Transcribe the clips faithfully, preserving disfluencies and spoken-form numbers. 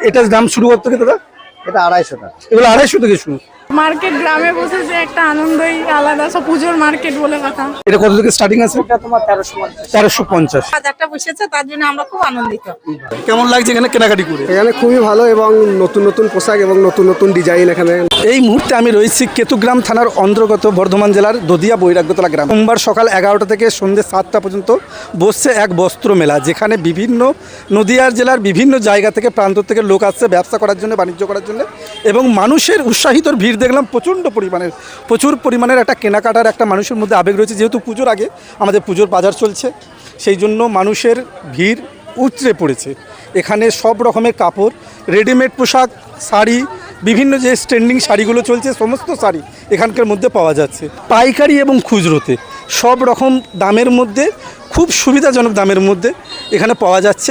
এটার দাম শুরু কত থেকে দাদা? এটা আড়াইশো টাকা। এগুলো আড়াইশো থেকে শুরু। মার্কেট গ্রামে বসে যে একটা আনন্দই আলাদা, সব পুজোর মার্কেট বলে কথা। এটা কত থেকে স্টার্টিং আছে? এটা তোমার তেরোশো পঞ্চাশ। তেরোশো পঞ্চাশ। বাজারটা বসেছে তার জন্য আমরা খুব আনন্দিত। কেমন লাগছে এখানে কেনাকাটি করে? এখানে খুবই ভালো এবং নতুন নতুন পোশাক এবং নতুন নতুন ডিজাইন এখানে। এই মুহূর্তে আমি রয়েছি কেতুগ্রাম থানার অন্তর্গত বর্ধমান জেলার দদিয়া বৈরাগ্যতলা গ্রাম। সোমবার সকাল এগারোটা থেকে সন্ধ্যে সাতটা পর্যন্ত বসছে এক বস্ত্র মেলা, যেখানে বিভিন্ন নদিয়ার জেলার বিভিন্ন জায়গা থেকে প্রান্ত থেকে লোক আসছে ব্যবসা করার জন্য, বাণিজ্য করার জন্য, এবং মানুষের উৎসাহিত ভিড় দেখলাম প্রচণ্ড পরিমাণের। প্রচুর পরিমাণের একটা কেনাকাটার একটা মানুষের মধ্যে আবেগ রয়েছে, যেহেতু পুজোর আগে আমাদের পুজোর বাজার চলছে, সেই জন্য মানুষের ভিড় উতরে পড়েছে। এখানে সব রকমের কাপড়, রেডিমেড পোশাক, শাড়ি, বিভিন্ন যে স্ট্যান্ডিং শাড়িগুলো চলছে সমস্ত শাড়ি এখানকার মধ্যে পাওয়া যাচ্ছে। পাইকারি এবং খুচরোতে সব রকম দামের মধ্যে, খুব সুবিধাজনক দামের মধ্যে এখানে পাওয়া যাচ্ছে।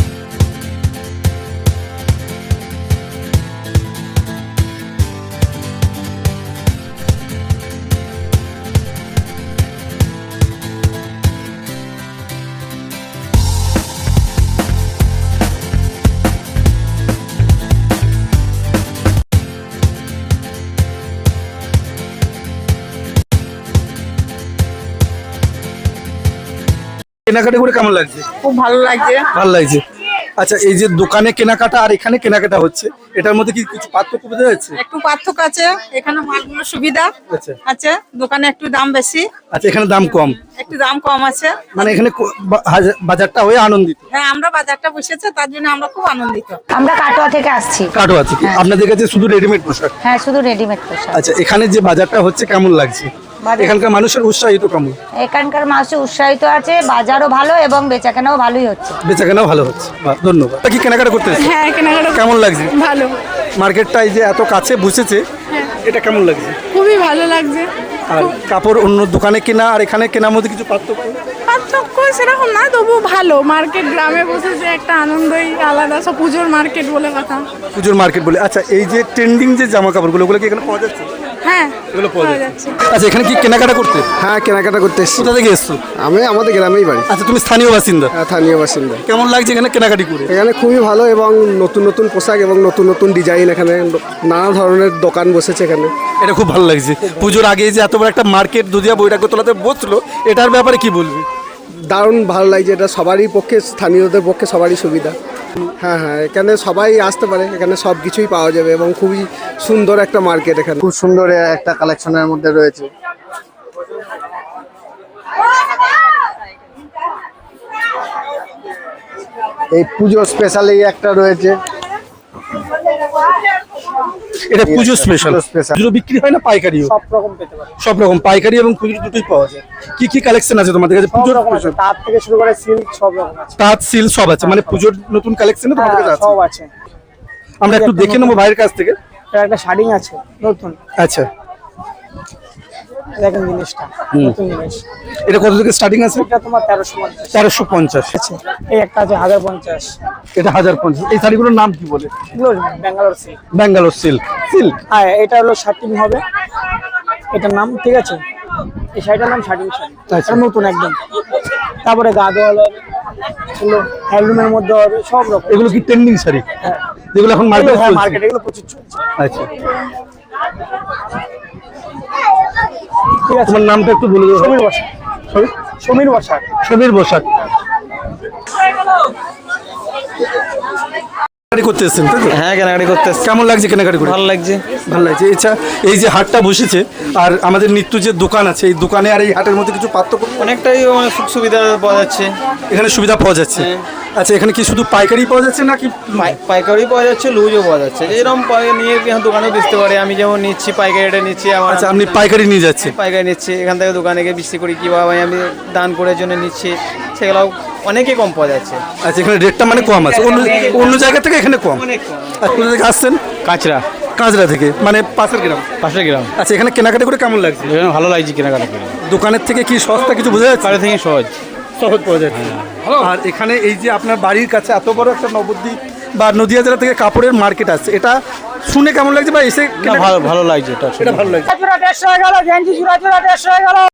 কেনাকাটা করে কেমন লাগছে? খুব ভালো লাগছে। ভালো লাগছে। আচ্ছা, এই যে দোকানে কেনাকাটা আর এখানে কেনাকাটা হচ্ছে, এটার মধ্যে কি কিছু পার্থক্য বোঝা যাচ্ছে? একটু পার্থক্য আছে, এখানে মালগুলো সুবিধা আচ্ছা আছে, দোকানে একটু দাম বেশি। আচ্ছা, এখানে দাম কম, একটু দাম কম আছে, মানে এখানে কো- বা- হাজার- বাজারটা হয়ে আনন্দিত। হ্যাঁ আমরা বাজারটা বসেছে তার জন্য আমরা খুব আনন্দিত। আমরা কাটোয়া থেকে আসছি। কাটো আছে কি? আপনাদের কাছে শুধু রেডিমেড পোশাক? হ্যাঁ, শুধু রেডিমেড পোশাক। আচ্ছা, এখানে যে বাজারটা হচ্ছে কেমন লাগছে? বাজার- এখানকার মানুষের উৎসাহিত কেমন? এখানকার মানুষ উৎসাহিত আছে, বাজারও ভালো এবং বেচাকেনাও ভালোই হচ্ছে। বেচাকেনাও ভালো হচ্ছে, বাহ, ধন্যবাদ। তা কি কেনাকাটা করতে এসেছো? হ্যাঁ কেনাকাটা কেমন লাগছে? ভালো, মার্কেটটা এই যে এত কাছে বসেছে, এটা কেমন লাগছে? খুবই ভালো লাগছে। আর কাপড় অন্য দোকানে কেনা আর এখানে কেনার মধ্যে কিছু পার্থক্য? পার্থক্য সেরকম না, তবু ভালো। মার্কেট গ্রামে বসে যে একটা আনন্দই আলাদা, সব পুজোর মার্কেট বলে কথা। পুজোর মার্কেট বলে। আচ্ছা, এই যে ট্রেন্ডিং যে জামা কাপড়গুলো, ওগুলো কি এখানে পাওয়া যাচ্ছে? হ্যাঁ এগুলো পাওয়া পাওয়া যাচ্ছে। যাচ্ছে। আচ্ছা, এখানে কি কেনাকাটা করতে? হ্যাঁ, কেনাকাটা করতে এসেছি। কোথা থেকে এসছো? আমি আমাদের গ্রামেই বাড়ি। আচ্ছা, তুমি স্থানীয় বাসিন্দা? হ্যাঁ, স্থানীয় বাসিন্দা। কেমন লাগছে এখানে কেনাকাটি করে? এখানে খুবই ভালো এবং নতুন নতুন পোশাক এবং নতুন নতুন ডিজাইন, এখানে নানা ধরনের দোকান বসেছে এখানে। এটা খুব ভালো লাগছে। পুজোর আগে যে এত বড় একটা মার্কেট দদিয়া বৈরাগ্যতলাতে বসলো, এটার ব্যাপারে কি বলবি? দারুণ ভালো লাগছে, এটা সবারই পক্ষে, স্থানীয়দের পক্ষে সবারই সুবিধা। হ্যাঁ হ্যাঁ, এখানে সবাই আসতে পারে, এখানে সব কিছুই পাওয়া যাবে এবং খুবই সুন্দর একটা মার্কেট এখানে। খুব সুন্দর একটা কালেকশনের মধ্যে রয়েছে। এই পুজো স্পেশালি একটা রয়েছে। এটা পুজো স্পেশাল। স্পেশাল। পুজো বিক্রি হয় না পাইকারিও? সব রকম পেতে পারে। সব রকম পাইকারি এবং খুচরো দুটোই পাওয়া যায়। কি কি কালেকশন আছে তোমাদের কাছে পুজোর? তার থেকে শুরু করে সিল্ক সব রকম আছে। তাঁত সিল সব আছে, মানে পুজোর নতুন কালেকশন তোমাদের কাছে আছে? সব আছে। আমরা একটু দেখে নেবো ভাইয়ের কাছ থেকে। এটা একটা শাড়ি আছে নতুন, আচ্ছা, দেখেন জিনিসটা নতুন জিনিস। এটা কত থেকে স্টার্টিং আছে? এটা তোমার তেরোশো পঞ্চাশ তেরোশো পঞ্চাশ। আছে। এই একটা আছে হাজার পঞ্চাশ। এটা হাজার পঞ্চাশ। এই শাড়িগুলোর নাম কি বলে? এগুলো Bangalore silk. Bangalore silk. Silk হ্যাঁ, এটা হলো শার্টিং হবে, এটার নাম, ঠিক আছে? এই শাড়িটার নাম শার্টিং শাড়ি। আচ্ছা। এটা নতুন একদম। তারপরে গাদোয়াল হবে, এগুলো হ্যান্ডলুমের মধ্যে হবে, সব রকম। এগুলো কি ট্রেন্ডিং শাড়ি হ্যাঁ, যেগুলো এখন মার্কেটে হ্যাঁ চলছে? মার্কেটে এগুলো প্রচুর চলছে। আচ্ছা, ঠিক আছে। তোমার নামটা একটু বলে দেবো। সমীর বসাক। সমীর বসাক। সমীর বসাক। কেনাকাটি করতে এসেছেন তাই তো? হ্যাঁ, কেনাকাটি করতে এসেছি। কেমন লাগছে কেনাকাটি করে? ভালো লাগছে। ভালো লাগছে। আচ্ছা, এই যে হাটটা বসেছে আর আমাদের নিত্য যে দোকান আছে, এই দোকানে আর এই হাটের মধ্যে কিছু পার্থক্য? অনেকটাই মানে সুখ সুবিধা পাওয়া যাচ্ছে। এখানে সুবিধা পাওয়া যাচ্ছে। আচ্ছা, এখানে কি শুধু পাইকারি পাওয়া যাচ্ছে নাকি? পাই- পাইকারি পাওয়া যাচ্ছে, লুজও পাওয়া যাচ্ছে। যেরকম পাই- নিয়ে এখানে দোকানেও বেচতে পারে। আমি যেমন নিচ্ছি পাইকারি রেটে নিচ্ছি। আমার আচ্ছা, আপনি পাইকারি নিয়ে যাচ্ছেন? পাইকারি নিচ্ছি, এখান থেকে দোকানে গিয়ে বিক্রি করি, কীভাবে আমি দান করার জন্য নিচ্ছি, সেগুলো অনেকই কম পাওয়া যাচ্ছে। আচ্ছা, এখানে রেটটা মানে কম আছে, অন্য অন্য জায়গা থেকে এখানে কম। অনেক কম। আর কোথা থেকে আসছেন? কাঁচরা, কাঁচরা থেকে, মানে পাশের গ্রাম? পাশের গ্রাম। আচ্ছা, এখানে কেনাকাটা করে কেমন লাগছে? এখানে ভালো লাগছে কেনাকাটা করে। দোকানের থেকে কি সস্তা কিছু বোঝা যাচ্ছে? বাড়ি থেকে সহজ সহজ পাওয়া যাচ্ছে। আর এখানে এই যে আপনার বাড়ির কাছে এত বড় একটা নবদ্বীপ বা নদিয়া জেলা থেকে কাপড়ের মার্কেট আছে, এটা শুনে কেমন লাগছে বা এসে না, ভালো ভালো লাগছে এটা। এটা ভালো লাগছে। দেড়শো হয়ে গেল, গেঞ্জি জোড়া জোড়া দেড়শো হয়ে গেল।